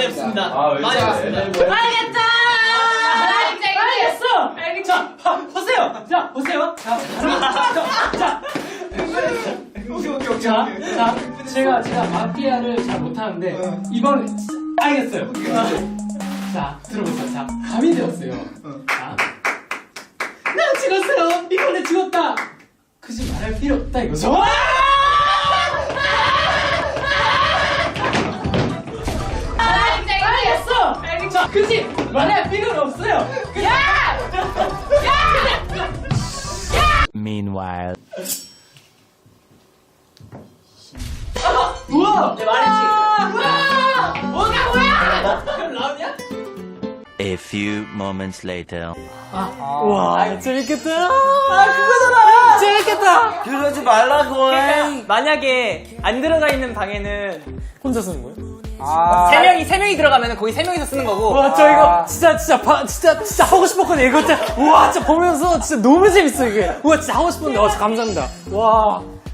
말이 없습니다. 왜 말이 잘해? 없습니다. 알겠다! 알겠어! 자, 보세요! 자, 보세요! 자, 제가 마피아를 잘 못하는데, 이번에, 알겠어요. 자, 들어보세요. 자, 밤이 되었어요. 자, 나 죽었어요! 이번에 죽었다! 굳이 말할 필요 없다, 이거죠? 알겠어! 굳이 말할 필요는 없어요! Meanwhile. 우와! 내 말했지. 뭐야? 그럼 라운이야? A few moments later. 와, 재밌겠다. 그거잖아! 재밌겠다. 그러지 말라고. 만약에 안 들어가 있는 방에는 혼자 쓰는 거예요? 세 명이 들어가면 거의 세 명이서 쓰는 거고. 와, 저 이거 진짜 하고 싶었거든요. 이거 진짜, 우와, 진짜 보면서 진짜 너무 재밌어, 이게. 우와, 진짜 하고 싶었는데, 감사합니다. 와.